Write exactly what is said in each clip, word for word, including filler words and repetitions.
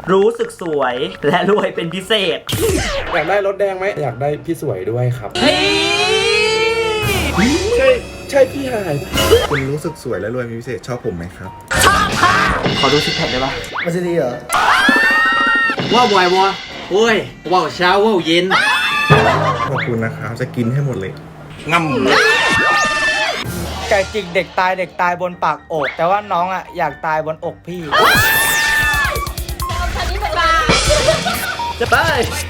รู้สึกสวยและรวยเป็นพิเศษอยากได้รถแดงไหมอยากได้พี่สวยด้วยครับเฮ้ยใช่ใช่พี่หายคุณรู้สึกสวยและรวยเป็นพิเศษชอบผมไหมครับชอบค่ะขอดูซิกแพคได้ปะไม่ใช่ดีเหรอว่าบ่อยบ่โอ้ยว่าเช้าว่าเย็นขอบคุณนะครับจะกินให้หมดเลยง่ำไก่จิกเด็กตายเด็กตายบนปากอกแต่ว่าน้องอ่ะอยากตายบนอกพี่จะไป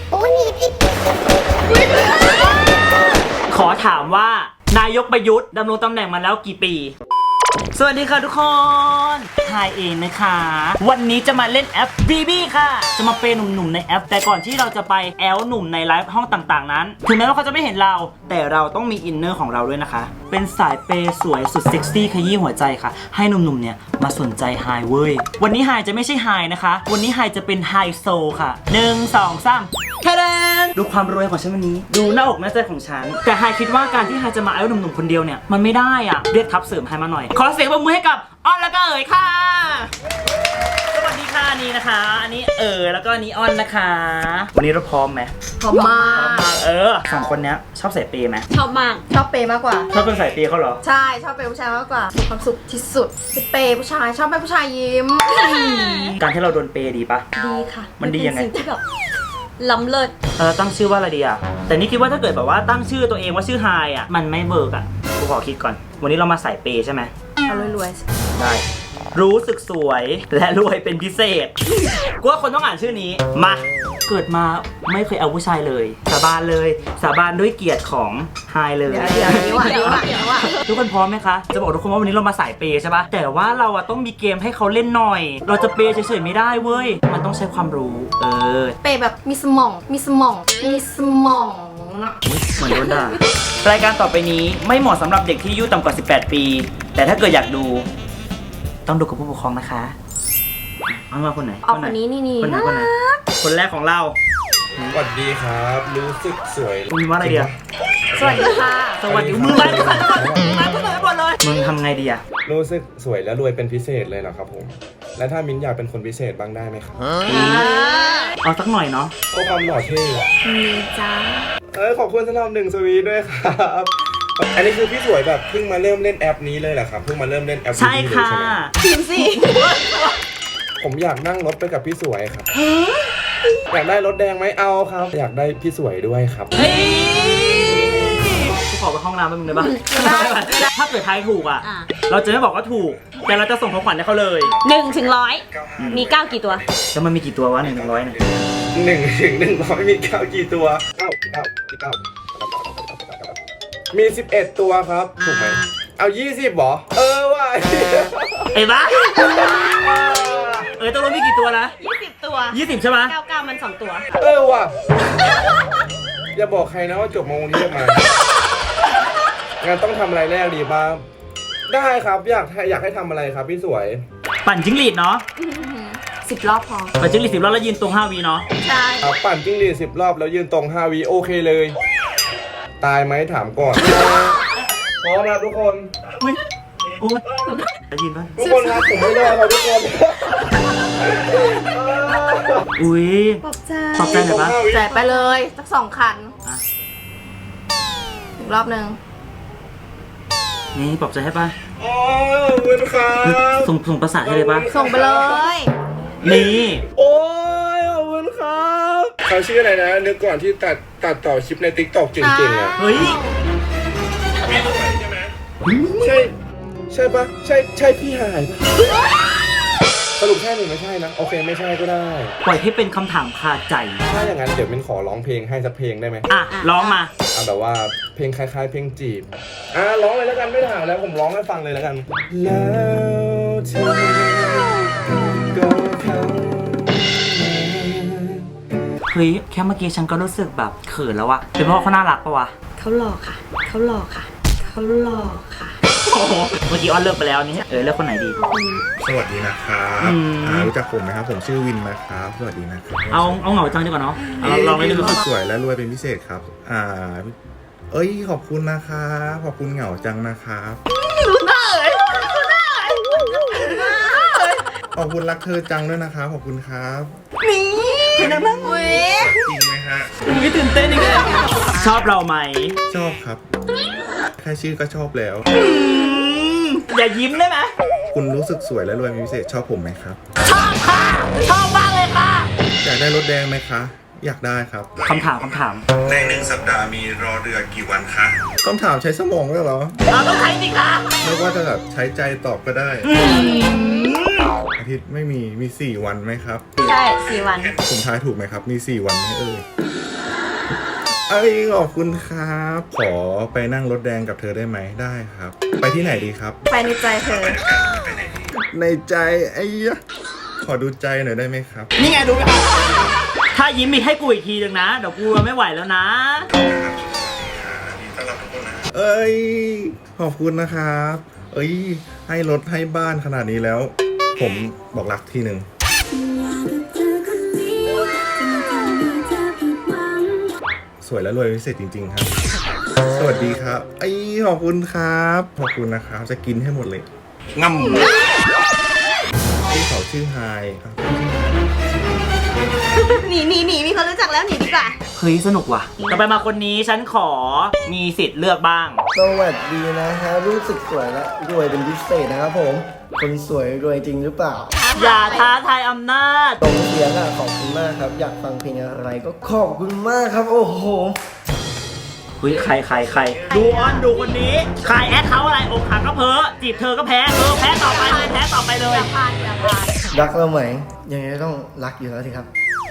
ขอถามว่านายกประยุทธ์ดำรงตำแหน่งมาแล้วกี่ปีสวัสดีค่ะทุกคนทายเองนะคะวันนี้จะมาเล่นแอป บี บี ค่ะจะมาเปย์หนุ่มๆในแอปแต่ก่อนที่เราจะไปแอลหนุ่มในไลฟ์ห้องต่างๆนั้นถึงแม้ว่าเขาจะไม่เห็นเราแต่เราต้องมีอินเนอร์ของเราด้วยนะคะเป็นสายเปย์สวยสุดเซ็กซี่ขยี้หัวใจค่ะให้หนุ่มๆเนี่ยมาสนใจไฮเว้ยวันนี้ไฮจะไม่ใช่ไฮนะคะวันนี้ไฮจะเป็นไฮโซค่ะหนึ่งสองสามแค่นั้นดูความรวยของฉันวันนี้ดูหน้าอกหน้าใจของฉันแต่ไฮคิดว่าการที่ไฮจะมาแอลหนุ่มๆคนเดียวเนี่ยมันไม่ได้อ่ะเรียกทัพเสริมไฮมาหน่อยขอเสียงปรบมือให้กับอ้อนแล้วก็เอ๋ยค่ะสวัสดีค่ะนี่นะคะอันนี้เอ๋ยแล้วก็อันนี้อ้อนนะคะวันนี้เราพร้อมไหมพร้อมมากพร้อมมากเออสองคนเนี้ยชอบใส่เปย์ไหมชอบมากชอบเปย์มากกว่าชอบเป็นใส่เปย์เขาเหรอใช่ชอบเปย์ผู้ชายมากกว่ามีความสุขที่สุดเป็นเปย์ผู้ชายชอบให้ผู้ชายยิ้มการที่เราโดนเปย์ดีปะดีค่ะมันดียังไงเป็นสิ่งที่แบบล้ำเลิศเออตั้งชื่อว่าอะไรดีอ่ะแต่นี่คิดว่าถ้าเกิดแบบว่าตั้งชื่อตัวเองว่าชื่อไฮอ่ะมันไม่เบิร์กอ่ะกูขอคิดก่อนวันนี้เรามาใส่เปย์ใช่ไหมเอารวยๆได้รู้สึกสวยและรวยเป็นพิเศษกูว่าคนต้องอ่านชื่อนี้มาเกิดมาไม่เคยเอาผู้ชายเลยสาบานเลยสาบานด้วยเกียรติของไฮเลยเดี๋ยวเดี๋ยวเดี๋ยวเดี๋ยวเดี๋ยวทุกคนพร้อมไหมคะจะบอกทุกคนว่าวันนี้เรามาสายเปย์ใช่ปะแต่ว่าเราอะต้องมีเกมให้เขาเล่นหน่อยเราจะเปย์เฉยๆไม่ได้เว้ยมันต้องใช้ความรู้เออเปย์แบบมีสมองมีสมองมีสมองเหมือนโดนด่ารายการต่อไปนี้ไม่เหมาะสำหรับเด็กที่อายุต่ำกว่าสิบแปดปีแต่ถ้าเกิดอยากดูต้องดูกับผู้ปกครองนะคะเอามาคนไหนเอาคนนี้นี่นี่คนไหนคนไหนคนแรกของเราสวัสดีครับรู้สึกสวยมึงว่าอะไรดีอะสวัสดีค่ะสวัสดีมึงไลฟ์กันก่อนมึงไลฟ์กันหมดเลยมึงทำไงดีอะรู้สึกสวยและรวยเป็นพิเศษเลยเหรอครับผมและถ้ามิ้นอยากเป็นคนพิเศษบ้างได้ไหมครับเอาสักหน่อยเนาะก็ความหล่อเท่มีจ้าเออขอบคุณสำหรับหนึ่งสวีด้วยครับอันนี้คือพี่สวยแบบเพิ่งมาเริ่มเล่นแอปนี้เลยเหรอครับเพิ่งมาเริ่มเล่นแอปนี้ใช่ค่ะทีมสิผมอยากนั่งรถไปกับพี่สวยครับอยากได้รถแดงไหมเอาครับอยากได้พี่สวยด้วยครับเฮ้ยกูขอไปห้องน้ำแป๊บนึงได้ปะถ้าเกิดทายถูกอ่ะเราจะไม่บอกว่าถูกแต่เราจะส่งของขวัญให้เขาเลยหนึ่งถึงร้อยมีเก้ากี่ตัวแล้วมันมีกี่ตัววะหนึ่งถึงร้อยเนี่ยหนึ่งถึงหนึ่งร้อยมีเก้ากี่ตัวเก้าเก้าเก้ามีสิบเอ็ดตัวครับถูกไหมเอายี่สิบหรอเออว่ะเอ้บ้าเออตัวรถมีกี่ตัวนะยี่สิบตัวยี่สิบใช่ไหมเก้าเก้ามันสองตัวเออว่ะอย่าบอกใครนะว่าจบมงนี้มางานต้องทำอะไรแรกดีบ้างได้ครับอยากอยากให้ทำอะไรครับพี่สวยปั่นจิ้งหรีดเนาะสิบรอบพอปั่นจิ้งหรีดสิบรอบแล้วยืนตรงห้าวีเนาะใช่ปั่นจิ้งหรีดสิบรอบแล้วยืนตรงห้าวีโอเคเลยตายไหมถามก่อนพร้อมแล้วทุกคนอุ้ยได้ยินป่ะทุกคนครับผมไม่รอครับทุกคนอุ้ยปอบใจปอบใจหน่อยปะแจกไปเลยสักสองคันอีกรอบหนึ่งนี่ปอบใจให้ป่ะอ๋อขอบคุณครับส่งส่งประสาทให้เลยป่ะส่งไปเลยนี่โอ้ยขอบคุณครับเขาชื่ออะไรนะนึกก่อนที่ตัดตัดต่อคลิปใน ติ๊กต็อก เก่งๆอ่ะเฮ้ยใช่ไหมใช่ใช่ปะใช่ใช่พี่หายปะสรุปใช่หรือไม่ใช่นะโอเคไม่ใช่ก็ได้ปล่อยให้เป็นคำถามคาใจถ้าอย่างนั้นเดี๋ยวมินขอร้องเพลงให้สักเพลงได้ไหมอ่ะร้องมาเอาแบบว่าเพลงคล้ายๆเพลงจีบอ่ะร้องเลยแล้วกันไม่ถามแล้วผมร้องให้ฟังเลยแล้วกันแล้วเธอก็เข้าเฮ้ยแค่เมื่อกี้ฉันก็รู้สึกแบบเขินแล้ววะเป็นเพราะเขาน่ารักปะวะเขาหล่อค่ะเขาหล่อค่ะเขาหล่อค่ะเมื่อกี้อ้อนเลิกไปแล้วนี่เออเลือกคนไหนดีสวัสดีนะครับรู้จักผมไหมครับผมชื่อวินนะครับสวัสดีนะครับเอาเอาเหงาจังดีกว่าเนาะลองไปดูสวยและรวยเป็นพิเศษครับอ่าเอ้ยขอบคุณนะครับขอบคุณเหงาจังนะครับดูหน้าเลยดูหน้าเลยขอบคุณรักเธอจังด้วยนะครับขอบคุณครับนี่เป็นนังนั่งเว้ยจริงไหมฮะไม่ตื่นเต้นอีกเลยชอบเราไหมชอบครับ แค่ชื่อก็ชอบแล้วอย่ายิ้มได้ไหมคุณรู้สึกสวยและรวยเป็นพิเศษชอบผมไหมครับชอบค่ะ ชอบมากเลยค่ะอยากได้รถแดงไหมคะ อยากได้ครับคำถามคำถามในหนึ่งสัปดาห์มีรอเรือกี่วันคะคำถามใช้สมองด้วยเหรอเราต้องใช้สิคะไม่ว่าจะแบบใช้ใจตอบก็ได้ อาทิตย์ไม่มีมีสี่วันไหมครับใช่สี่วันผมทายถูกไหมครับ มีสี่วันไหมเอ่ยเอ้ยขอบคุณครับ ขอไปนั่งรถแดงกับเธอได้ไหมได้ครับ ไปที่ไหนดีครับไปในใจเธอในใจไอ้ยะขอดูใจหน่อยได้ไหมครับนี่ไงดูไหมคะถ้ายิ้มอีกให้กูอีกทีหนึ่งนะ เดี๋ยวกูไม่ไหวแล้วนะเอ้ยขอบคุณนะครับ เอ้ยให้รถให้บ้านขนาดนี้แล้ว ผมบอกรักทีหนึ่งสวยและรวยพิเศษจริง ๆ ครับ สวัสดีครับไอ้ยขอบคุณครับขอบคุณนะครับจะกินให้หมดเลยงำพี่เขาชื่อไฮครับหนีหนีหนีมีคนรู้จักแล้วหนีดีกว่าเฮ้ยสนุกว่ะต่อไปมาคนนี้ฉันขอมีสิทธิ์เลือกบ้างสวัสดีนะครับรู้สึกสวยและรวยเป็นพิเศษนะครับผม คนสวยรวยจริงหรือเปล่าอย่าท้าทายอำนาจตรงเสียงอ่ะขอบคุณมากครับ อยากฟังเพลงอะไรก็ขอบคุณมากครับ โอ้โหเฮ้ยใครใครใครดูออนดูคนนี้ใครแอดเขาอะไรอกหักก็เพ้อจีบเธอก็แพ้เออแพ้ต่อไปเลยแพ้ต่อไปเลยอย่าพานอย่าพานรักเราไหมยังไงก็ต้องรักอยู่แล้วสิครับ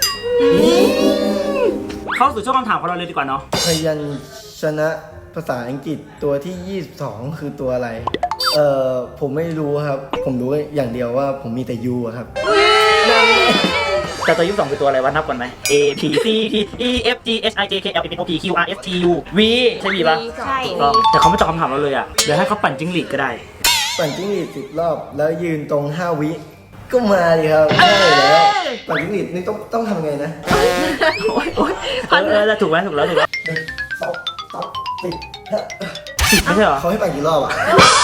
เข้าสู่ช่วงคำถามของเราเลยดีกว่าเนาะพยัญชนะภาษาอังกฤษตัวที่ ยี่สิบสอง คือตัวอะไร เอ่อ ผมไม่รู้ครับ ผมรู้อย่างเดียวว่าผมมีแต่ U อะครับแต่ตัวยี่สิบสองคือตัวอะไรวะนับก่อนไหม A P C T E F G H I J K L M N O P Q R S T U V ใช่ V ปะใช่ก็แต่เขาไม่ตอบคำถามเราเลยอ่ะเดี๋ยวให้เขาปั่นจิ้งหรีดก็ได้ปั่นจิ้งหรีดสิบรอบแล้วยืนตรงห้าวิ ก็มาดิครับได้แล้วปั่นจิ้งหรีดนี่ต้องต้องทำไงนะโอ๊ยโอ๊ยเออเออถูกไหมถูกแล้วถูกแล้วหนึ่งสองสามสี่ห้าสิบไม่ใช่เหรอเขาให้ปั่นกี่รอบอ่ะ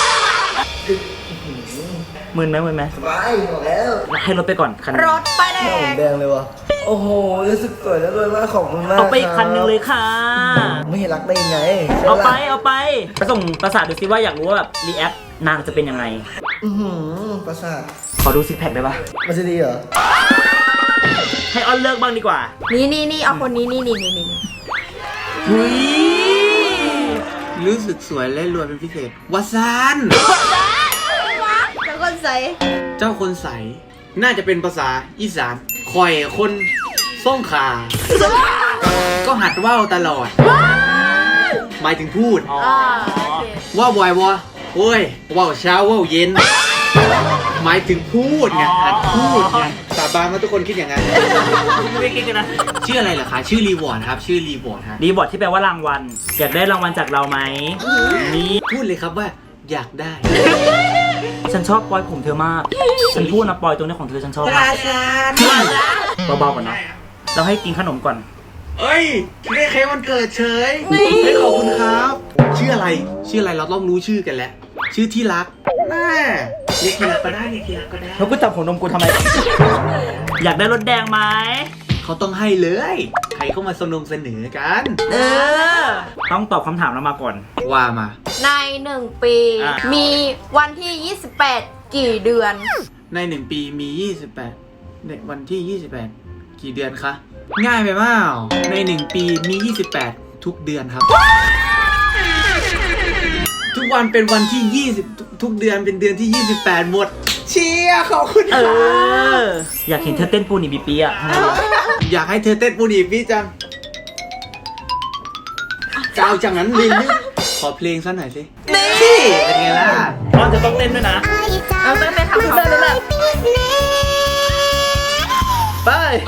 มึนไหมมึนไหมสบายหมดแล้วให้รถไปก่อนคันหนึ่งรถป้ายแดหน้าผมงแดงเลยวะโอ้โหรู้สึกสวยแล้วรวยมากขอบคุณมากเอาไปอีกคันหนึ่งเลยรับค่ะไม่ให้รักได้ยังไงเอาไปใช่ะเอาไปไปส่งประสาทดูซิว่าอยากรู้ว่าแบบรีแอคนางจะเป็นยังไงอือหือประสาทขอดูซิกแพคได้ปะมันจะดีเหรอให้ออนเลิกบ้างดีกว่านี่นี่นี่เอาคนนี้นี่นี่นี่นี่อุ้ยรู้สึกสวยและรวยเป็นพิเศษวาซานแล้วคนใส่เจ้าคนใส น่าจะเป็นภาษาอีสานคอยคนส่งขาก็หัดว่าวตลอด หมายถึงพูดอ๋ออ่าโอเคว่าบ่อยวะโอ้ยว่าวเช้าว่าวเย็น หมายถึงพูดไงหัดพูดไงสาบานว่าทุกคนคิดอย่างนั้นไม่คิดกันนะชื่ออะไรเหรอคะ ชื่อรีวอร์ดครับ ชื่อรีวอร์ดฮะรีบอร์ดที่แปลว่ารางวัล อยากได้รางวัลจากเราไหมนี่พูดเลยครับว่าอยากได้ฉันชอบปอยผมเธอมาก ฉันพูดนะปอยตรงนี้ของเธอฉันชอบมากเบาๆก่อนเนาะเราให้กินขนมก่อนเอ้ยได้เค้กวันเกิดเฉยเฮ้ยขอบคุณครับ ชื่ออะไร ชื่ออะไรเราต้องรู้ชื่อกันแล้ว ชื่อที่รักแม่เรียกที่รักก็ได้เรียกที่รักก็ได้แล้วกูจับหัวนมกูทำไม อยากได้รถแดงไหมเขาต้องให้เลย ใครเข้ามาสนงเสนอกันเออ ต้องตอบคำถามเรามาก่อนว่ามาในหนึ่งปีอ่ะมีวันที่ยี่สิบแปดกี่เดือนในหนึ่งปีมียี่สิบแปดในวันที่ยี่สิบแปดกี่เดือนคะ ง่ายไปเปล่าในหนึ่งปีมียี่สิบแปดทุกเดือนครับ ทุกวันเป็นวันที่ยี่สิบทุกทุกเดือนเป็นเดือนที่ยี่สิบแปดหมด เชียร์ขอบคุณเอครับอ อยากเห็นเธอเต้นปูนิบิปีอ่ะทำไมวะอยากให้เธอเต้นปูดีพี่จังกาวจังนั้นลินขอเพลงสักหน่อยสินี่เป็นไงล่ะตอนจะต้องเต้นด้วยนะเอาไปไปทำเขาเลยไป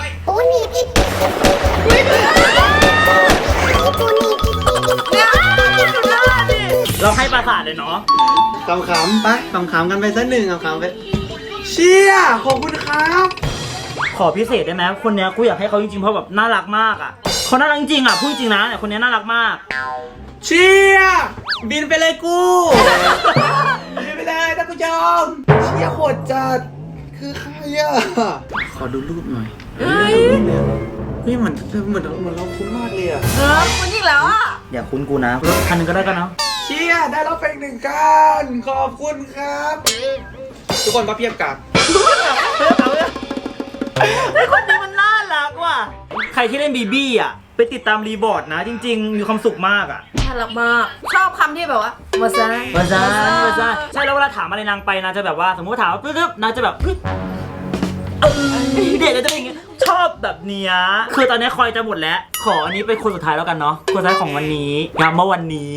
เราให้ประสาทเลยเนาะขำๆไปขำๆกันไปสักหนึ่งขำๆไปเชียร์ขอบคุณครับขอพิเศษได้ไหมคนเนี้ยกูอยากให้เขาจริงๆเพราะแบบน่ารักมากอ่ะเขาน่ารักจริงอ่ะพูดจริงนะเนี่ยคนเนี้ยน่ารักมากเชียร์บินไปเลยกูบินไปเลยท่านผู้ชมเชียร์โคตรจัดขคือใครอ่ะ ขอดูรูปหน่อยเฮ้ยเฮ้ยเหมือนเหมือนเหมือนเราคุ้นมากเลยอ่ะเออคุณอีกแล้วอ่ะอย่าคุ้นกูนะรถคันหนึงก็ได้กันเนาะเชี่ยได้รับเป็นหนึ่งกันขอบคุณครับ ทุกคนก็เพียบกับไอ้คนนี้มันน่ารักว่ะใครที่เล่นบีบี้อ่ะไปติดตามรีบอร์ดนะ จริง ๆ มีความสุขมากอ่ะน่ารักมาก ชอบคำที่แบบว่ามาซาวาซาวาซาใช่แล้วเวลาถามอะไรนางไปนางจะแบบว่าสมมติว่าถามว่าปึ๊บๆนางจะแบบปึ๊บเออเด็กก็จะเป็นอย่างเงี้ยชอบแบบเนี้ยคือตอนนี้คอยจะหมดแล้ว ขออันนี้เป็นคนสุดท้ายแล้วกันเนาะคนสุดท้ายของวันนี้งานเมื่อวันนี้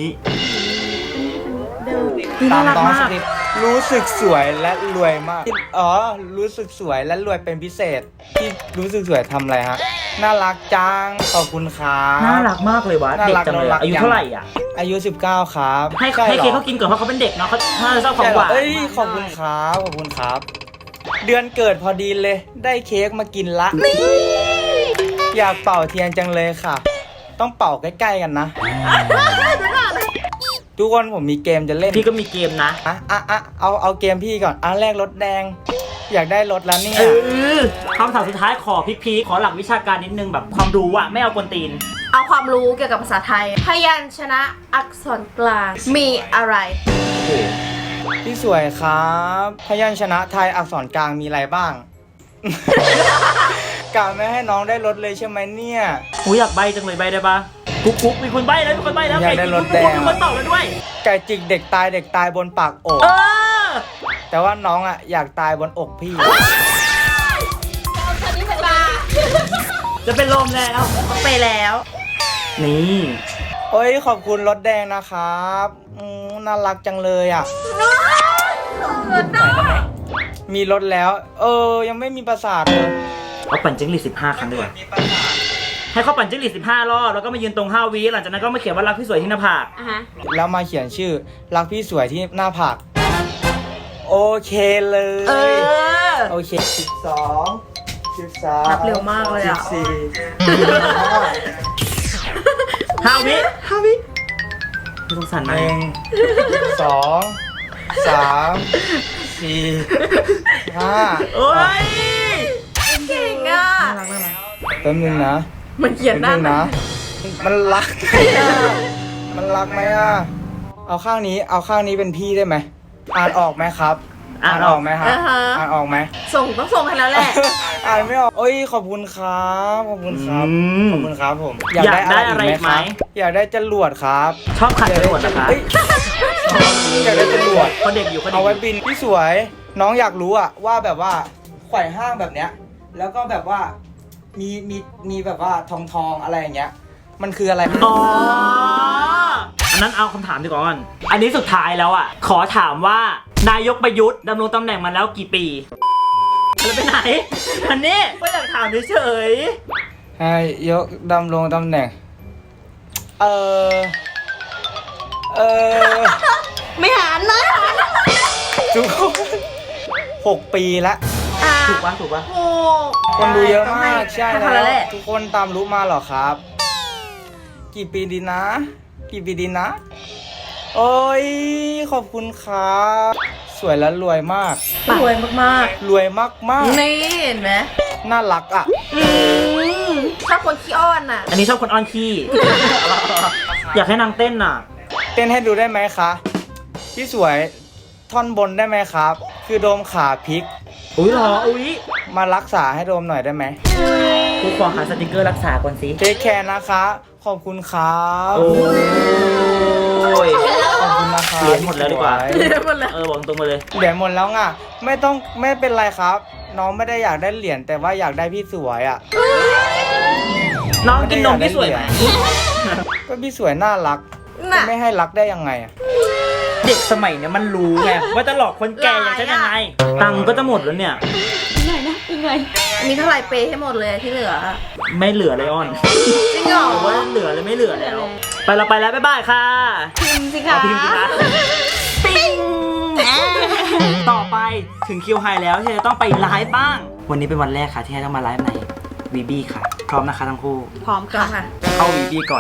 นี่ตาน่าม รักน้องมาสกติรู้สึกสวยและรวยมากอ๋อรู้สึกสวยและรวยเป็นพิเศษ ที่รู้สึกสวยทำอะไรฮะน่ารักจังขอบคุณครับน่ารักมากเลยวะน่าเด็กรักจังเลยน่ารัอะกอายุจังเท่าไหร่อ่ะอายุสิบเก้าครับให้ช่ให้รอเค้กเขากินก่อนเพราะเขาเป็นเด็กเนาะเขาน่าจะชอบของใช่หเหรอวานเอ้ยขอบคุณครับขอบคุณครับ เดือนเกิดพอดีเลยได้เค้กมากินละอยากเป่าเทียนจังเลยค่ะ ต้องเป่าใกล้ๆกันนะ ทุกคนผมมีเกมจะเล่นพี่ก็มีเกมนะอ่ะอ่ะอ่ะเอาเอาเกมพี่ก่อนอันแรกรถแดง อยากได้รถแล้วเนี่ยเออคำถามสุดท้ายขอพีคๆขอหลักวิชาการนิดนึงแบบความรู้อะไม่เอากวนตีนเอาความรู้เกี่ยวกับภาษาไทย พยัญชนะอักษรกลางมีอะไรพี่สวยครับ พยัญชนะไทยอักษรกลางมีอะไรบ้าง กะไม่ให้น้องได้รถเลยใช่ไหมเนี่ยหูอยากใบจังเลยใบได้ปะกุ๊กกุ๊กมีคนใบแล้วมีคนใบแล้วอยากได้รถแดงมีคนตอบแล้วด้วยไก่จิกเด็กตายเด็กตายบนปากอกเออแต่ว่าน้องอ่ะอยากตายบนอกพี่จะเป็นลมแล้วไปแล้ว นี่โอ้ยขอบคุณรถแดงนะครับอืมน่ารักจังเลยอ่ะ มีรถแล้ว เออ ยังไม่มีประสาทเลยเอาปั่นจิ้งหรีดสิบห้าครั้งดีกว่าให้เขาปั่นจิ้งหรีดสิบห้ารอบแล้วก็มายืนตรงห้าวิหลังจากนั้นก็มาเขียนว่ารักพี่สวยที่หน้าผากอ่ะฮะแล้วมาเขียนชื่อ รักพี่สวยที่หน้าผาก โอเคเลยเออโอเคสิบสองสิบสามนับเร็วมากเลยอะสิบสี่ห้าวิห้าวิไม่สงสารหนะนึ่งสองสามสี่ห้าโอ้ยเก่งอ่ะแป๊บนึงนะมันเขียนหน้าแป๊บงนะ มันรัก มันรักไหมอ่ะ เอาข้างนี้ เอาข้างนี้เป็นพี่ได้ไหม อ่านออกไหมครับ อ่านออกไหมครับอ่าฮะอ่านออกไหมส่งต้องส่งให้แล้วแหละอ่านไม่ออกโอ้ยขอบคุณครับ ขอบคุณครับอืมขอบคุณครับผมอยากได้อะไรอีกไหมครับอยากได้จรวดครับชอบขัดจรวดนะคะเอ้ยอยากได้จรวดเขาเด็กอยู่เขาเด็เอากอไว้ยู่บินพี่สวย น้องอยากรู้อะว่าแบบว่าไขว่ห้างแบบเนี้ย แล้วก็แบบว่ามีมีมีแบบว่าทองทองอะไรอย่างเงี้ย มันคืออะไรอ๋อ อันนั้นเอาคำถามดีกว่าก่อนอันนี้สุดท้ายแล้วอ่ะ ขอถามว่านายกประยุทธ์ดำรงตำแหน่งมาแล้วกี่ปีแล้วไปไหน อันนี้ก็อยากถามเฉยให้ยกดำรงตำแหน่ง เออเออไม่หารเลยทุกคนหกปีละอ่ะๆถูกปะถูกปะโอ้คนดูเยอะมากใช่ให้แล้เขาแล้ว แหละทุกคนตามรู้มาเหรอครับ กี่ปีดีนะ กี่ปีดีนะ โอ้ยขอบคุณครับ สวยและรวยมากรวยมากรวยมากมากๆ นี่เห็นไหมๆน่ารักอ่ะชอบคนขี้อ้อนน่ะอันนี้ชอบคนอ้อนขี้ อยากให้นางเต้นน่ะเต้นให้ดูได้ไหมคะ พี่สวยท่อนบนได้ไหมครับ คือโดมขาพลิกอุ้ยเหรอ อุ้ยมารักษาให้โดมหน่อยได้ไหมกูขอหาสติกเกอร์รักษาก่อนสิเทคแคร์นะคะ ขอบคุณครับโอ้ยขอบคุณนะครับเหรียญหมดแล้วดีกว่าพี่สยเรียกมันแล้วเออบอกตรงมาเลยเหรียญหมดแล้วไงไม่ต้องไม่เป็นไรครับ น้องไม่ได้อยากได้เหรียญแต่ว่าอยากได้พี่สวยอ่ะน้องกินนมพี่สวยไหมก็พี่สวยน่ารักน่ะจะไม่ให้รักได้ยังไงอ่ะเด็กสมัยเนี้ยมันรู้ไงว่าจะหลอกคนแก่อย่างฉันยังไง ตังค์ก็จะหมดแล้วเนี่ยอันนี้เท่าไหร่เปย์ให้หมดเลยที่เหลือไม่เหลือเลยอ้อนจริงเหรอบอกว่าเหลือเลยไม่เหลือแล้ว ไปเราไปแล้วบ๊ายบายค่ะพิมพ์สิคะเอาพิมพ์สิคะปิ้งต่อไปถึงคิวไฮแล้วที่จะต้องไปไลฟ์บ้าง วันนี้เป็นวันแรกค่ะที่จะต้องมาไลฟ์ในวีบีค่ะ พร้อมนะคะทั้งคู่พร้อมค่ะเข้าวีบีก่อน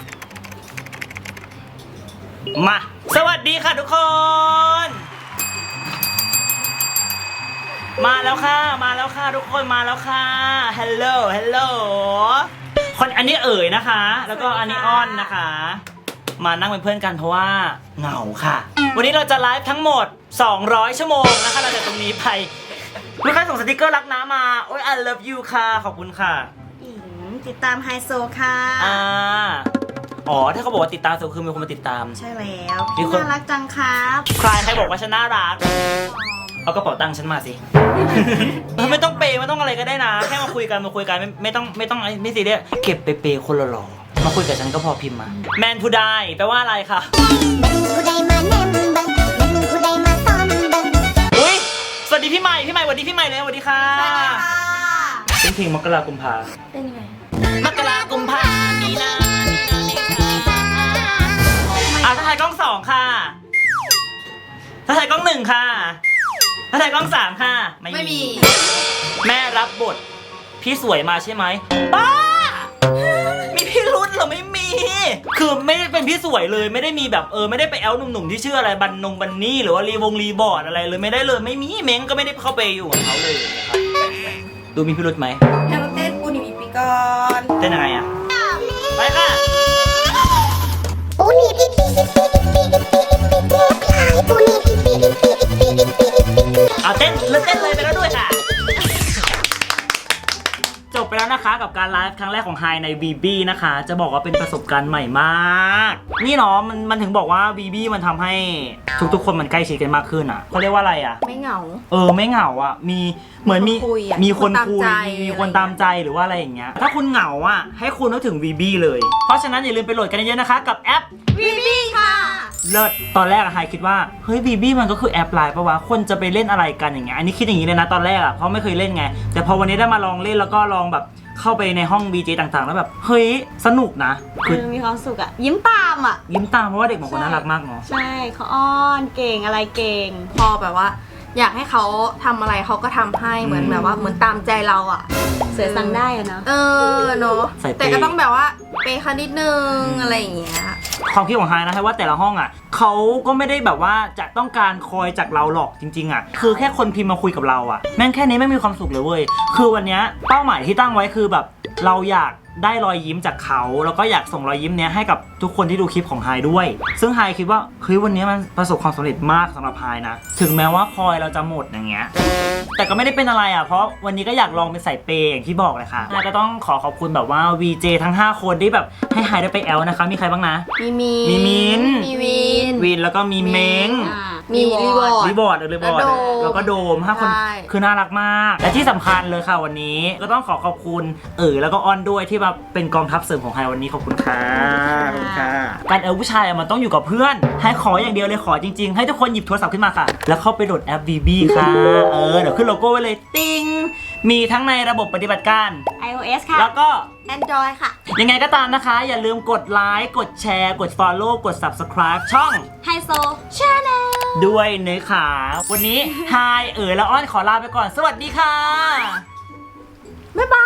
มา สวัสดีค่ะทุกคนมาแล้วค่ะมาแล้วค่ะทุกคนมาแล้วค่ะฮัลโหลฮัลโหลคนอันนี้เอ๋ยนะคะ แล้วก็อันนี้อ้อนนะคะ มานั่งเป็นเพื่อนกันเพราะว่าเหงาค่ะ วันนี้เราจะไลฟ์ทั้งหมดสองร้อยชั่วโมงนะคะเราจะตรงนี้ไปลูกค้าส่งสติกเกอร์รักน้ามาโอ้ย I love you ค่ะขอบคุณค่ะอิงติดตามไฮโซค่ะอ่าอ๋อถ้าเขาบอกว่าติดตามโซคือมีคนมาติดตามใช่แล้วมีคนน่ารักจังครับใครใครบอกว่าฉันน่ารักเอากระเป๋าตังค์ฉันมาสิ ไม่ต้องเปย์ไม่ต้องอะไรก็ได้นะแค่มาคุยกันมาคุยกันไม่ไม่ต้องไม่ต้องไม่ซีเรียสเก็บไปเปย์คนละหล่อมาคุยกับฉันก็พอพิมพ์มาแมนผู้ได้แปลว่าอะไรคะอุ้ยสวัสดีพี่ใหม่พี่ใหม่สวัสดีพี่ใหม่เลยสวัสดีค่ะสวัสดีค่ะเป็นเพลงมกรากุมภาเป็นยังไงมกรากุมภามีนามีนาเมษาอ่ะถ้าถ่ายกล้องสองค่ะถ้าถ่ายกล้องหนึ่งค่ะถ้าถ่ายกล้องสามค่ะไม่มีแม่รับบทพี่สวยมาใช่ไหมป้ามีพี่รุ่นเหรอไม่มี คือไม่ได้เป็นพี่สวยเลยไม่ได้มีแบบเออไม่ได้ไปแอลหนุ่มๆที่ชื่ออะไรบันนงบันนี่หรือว่ารีวงรีบอร์ดอะไรเลยไม่ได้เลยไม่มีเม้งก็ไม่ได้เข้าไปอยู่กับเขาเลยนะครับดูมีพี่รุ่นไหมแล้วเต้นปูนิมิปีก่อนเต้นยังไงอะไปค่ะเอาเต้นแล้วเต้นเลยไปแล้วด้วยค่ะจบไปแล้วนะคะกับการไลฟ์ครั้งแรกของไฮใน บี บี นะคะ จะบอกว่าเป็นประสบการณ์ใหม่มากนี่เนาะมันมันถึงบอกว่า บี บี มันทำให้ทุกๆคนมันใกล้ชิดกันมากขึ้นอ่ะเขาเรียกว่าอะไรอ่ะไม่เหงาเออไม่เหงาอ่ะมีเหมือนมีคุยอะมีคนคุยมีคนตามใจมีคนตามใจหรือว่าอะไรอย่างเงี้ยถ้าคุณเหงาอ่ะให้คุณนึกถึง บี บี เลย เพราะฉะนั้นอย่าลืมไปโหลดกันเยอะๆนะคะกับแอปวีบีค่ะเลิศตอนแรกอะไฮคิดว่าเฮ้ย บี บี มันก็คือแอปไลน์ปะวะคนจะไปเล่นอะไรกันอย่างเงี้ยอันนี้คิดอย่างนี้เลยนะตอนแรกอะเพราะไม่เคยเล่นไงแต่พอวันนี้ได้มาลองเล่นแล้วก็ลองแบบเข้าไปในห้อง บี เจ ต่างๆ แล้วแบบเฮ้ยสนุกนะคือเออมีความสุขอะยิ้มตามอะยิ้มตามเพราะว่าเด็กบางคนน่ารักมากเนาะใช่เขาอ้อนเก่งอะไรเก่งพอแบบว่า อยากให้เขาทำอะไรเขาก็ทำให้เหมือนแบบว่าเหมือนตามใจเราอ่ะเสือสั่งได้อะเนาะเออเนาะใส่เปย์แต่ก็ต้องแบบว่าเปย์เขานิดนึงอะไรอย่างเงี้ยความคิดของไฮนะให้ว่าแต่ละห้องอ่ะเขาก็ไม่ได้แบบว่าจะต้องการคอยจากเราหรอกจริงๆอ่ะคือแค่คนพิมพ์มาคุยกับเราอ่ะแม่งแค่นี้ไม่มีความสุขเลยเว้ยคือวันเนี้ยเป้าหมายที่ตั้งไว้คือแบบเราอยากได้รอยยิ้มจากเขาแล้วก็อยากส่งรอยยิ้มเนี้ยให้กับทุกคนที่ดูคลิปของไฮด้วยซึ่งไฮคิดว่าเฮ้ยวันนี้มันประสบความสำเร็จมากสำหรับไฮนะถึงแม้ว่าคอยเราจะหมดอย่างเงี้ยแต่ก็ไม่ได้เป็นอะไรอ่ะเพราะวันนี้ก็อยากลองเป็นสายเปย์อย่างที่บอกเลยค่ะก็ต้องขอขอบคุณแบบว่า วี เจ ทั้งห้าคนที่แบบให้ไฮได้ไปแอลนะคะมีใครบ้างนะมีมีมีมิ้นมีวินวินแล้วก็มีเม้งอ่ามีรีวอร์ดรีบอร์ดรีบอร์ดแล้วโดมแล้วก็โดมห้าคนใช่คือน่ารักมาก และที่สำคัญเลยค่ะวันนี้ก็ต้องขอขอบคุณเอ๋ยแล้วก็อ้อนด้วยที่มาเป็นกองทัพเสริมของไฮวันนี้ขอบคุณค่ะขอบคุณค่ะการเอลผู้ชายอะมันต้องอยู่กับเพื่อนให้ขออย่างเดียวเลยขอจริงๆ ให้ทุกคนหยิบโทรศัพท์ขึ้นมาค่ะ แล้วเข้าไปโหลดแอป บี บี ค่ะเออเดี๋ยวขึ้นโลโก้ไว้เลยติ้งมีทั้งในระบบปฏิบัติการไอ โอ เอส ค่ะแล้วก็ Android ค่ะยังไงก็ตามนะคะ อย่าลืมกดไลค์กดแชร์กด follow กด subscribe ช่องไฮโซชาแนลด้วยเนื้อขาวันนี้ไฮเอ๋ยและอ้อนขอลาไปก่อน สวัสดีค่ะบ๊ายบาย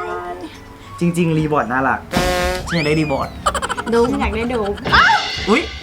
จริง ๆ รีบอร์ดน่ารักฉันอยากได้รีบอร์ดดูมันอยากได้ดูอุ๊ย